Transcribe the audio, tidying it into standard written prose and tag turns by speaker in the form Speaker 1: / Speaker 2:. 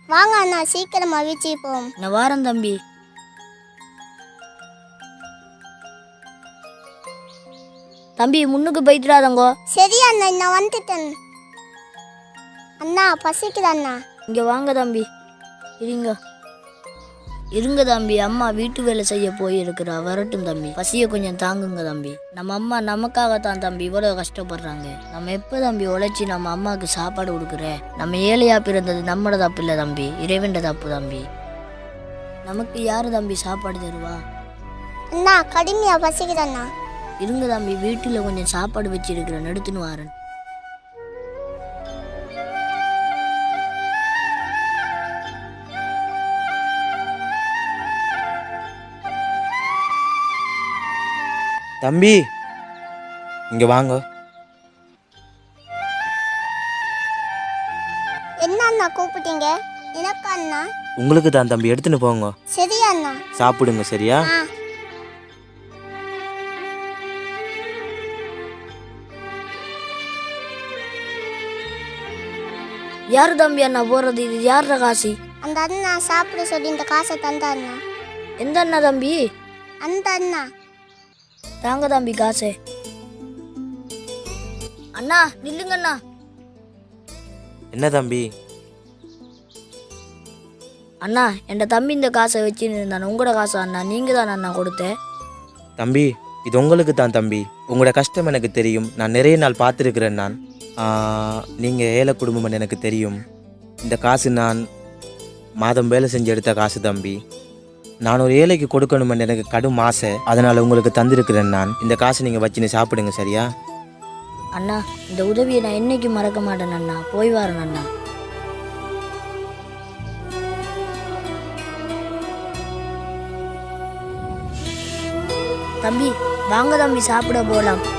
Speaker 1: வாங்க அண்ணா, சீக்கிரமா வீச்சுக்கு போவோம்.
Speaker 2: நான் வாரேன் தம்பி. தம்பி முன்னுக்கு போயிட்டுறாதங்கோ.
Speaker 1: சரி அண்ணா, நான் வந்துட்டேன். அண்ணா பசிக்குது அண்ணா.
Speaker 2: இங்கே வாங்க தம்பி. இருங்க தம்பி, அம்மா வீட்டு வேலை செய்ய போயிருக்கிறா, வரட்டும் தம்பி. பசியை கொஞ்சம் தாங்குங்க தம்பி. நம்ம அம்மா நமக்காகத்தான் தம்பி இவ்வளோ கஷ்டப்படுறாங்க. நம்ம எப்போ தம்பி உழைச்சி நம்ம அம்மாவுக்கு சாப்பாடு கொடுக்குற? நம்ம ஏழையா பிறந்தது நம்மளோட தப்பு இல்லை தம்பி, இறைவன் தப்பு தம்பி. நமக்கு யாரு தம்பி சாப்பாடு தருவா?
Speaker 1: அண்ணா கடுமையா பசிக்குது அண்ணா.
Speaker 2: இருங்க தம்பி, வீட்டில் கொஞ்சம் சாப்பாடு வச்சிருக்கிறேன், எடுத்துன்னு வாரேன்.
Speaker 3: தம்பி இங்க வாங்க.
Speaker 1: என்ன அண்ணா கூப்பிட்டீங்க? எனக்கு அண்ணா.
Speaker 3: உங்களுக்கு தான் தம்பி, எடுத்துன்னு போங்க.
Speaker 1: சரி அண்ணா.
Speaker 3: சாப்பிடுங்க சரியா?
Speaker 2: யாரு தம்பி அண்ணா போறது? இது யார காசி?
Speaker 1: அந்த அண்ணா சாப்பிட சொல்லி இந்த காசை தந்தா அண்ணா.
Speaker 2: எந்த அண்ணா தம்பி?
Speaker 1: அந்த அண்ணா.
Speaker 2: தாங்க தம்பி காசு. அண்ணா நில்லுங்க அண்ணா.
Speaker 3: என்ன தம்பி?
Speaker 2: அண்ணா என் தம்பி இந்த காசை வச்சுன்னு இருந்தானே, உங்களோட காசா அண்ணா? நீங்க தான் அண்ணா கொடுத்தேன்.
Speaker 3: தம்பி இது உங்களுக்கு தான் தம்பி. உங்களோட கஷ்டம் எனக்கு தெரியும், நான் நிறைய நாள் பார்த்துருக்கிறேன். நான் நீங்கள் ஏழை குடும்பம்னு எனக்கு தெரியும். இந்த காசு நான் மாதம் வேலை செஞ்சு எடுத்த காசு தம்பி. நான் ஒரு ஏழைக்கு கொடுக்கணுமென்னு எனக்கு கடும் ஆசை, அதனால் உங்களுக்கு தந்திருக்கிறேன். நான் இந்த காசை நீங்கள் வச்சுன்னு சாப்பிடுங்க சரியா?
Speaker 2: அண்ணா இந்த உதவியை நான் என்னைக்கு மறக்க மாட்டேன் அண்ணா. போய் வரேன் அண்ணா. தம்பி வாங்க தம்பி, சாப்பிட போகலாம்.